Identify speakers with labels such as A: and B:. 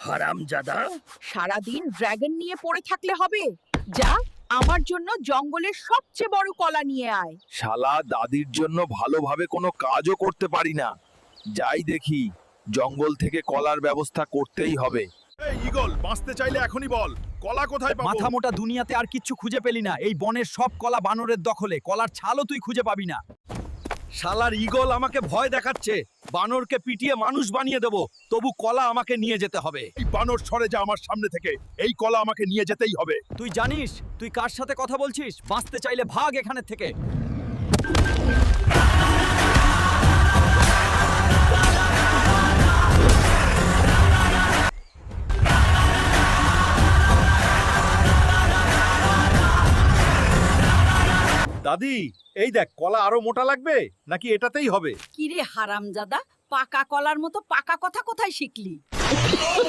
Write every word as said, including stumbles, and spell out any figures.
A: হারামজাদা,
B: সারাদিন ড্রাগন নিয়ে পড়ে থাকলে হবে? যা, আমার জন্য জঙ্গলের সবচেয়ে বড় কলা নিয়ে আয়।
C: শালা দাদির জন্য ভালোভাবে কোনো কাজও করতে পারি না। যাই দেখি, জঙ্গল থেকে কলার ব্যবস্থা করতেই হবে।
D: এই ঈগল, বাঁচতে চাইলে এখনই বল, কলা কোথায় পাবো?
E: মাথা মোটা দুনিয়াতে আর কিচ্ছু খুঁজে পেলি না। এই বনের সব কলা বানরের দখলে, কলার ছালও তুই খুঁজে পাবি না। শালার ঈগল আমাকে ভয় দেখাচ্ছে। বানরকে পিটিয়ে মানুষ বানিয়ে দেব, তবু কলা আমাকে নিয়ে যেতে হবে।
D: এই বানর সরে যা আমার সামনে থেকে, এই কলা আমাকে নিয়ে যেতেই হবে।
E: তুই জানিস তুই কার সাথে কথা বলছিস? বাঁচতে চাইলে ভাগ এখানে থেকে।
D: দাদি, এই দেখ, কলা আরো মোটা লাগবে নাকি এটাতেই হবে?
B: কিরে হারামজাদা, পাকা কলার মতো পাকা কথা কোথায় শিখলি?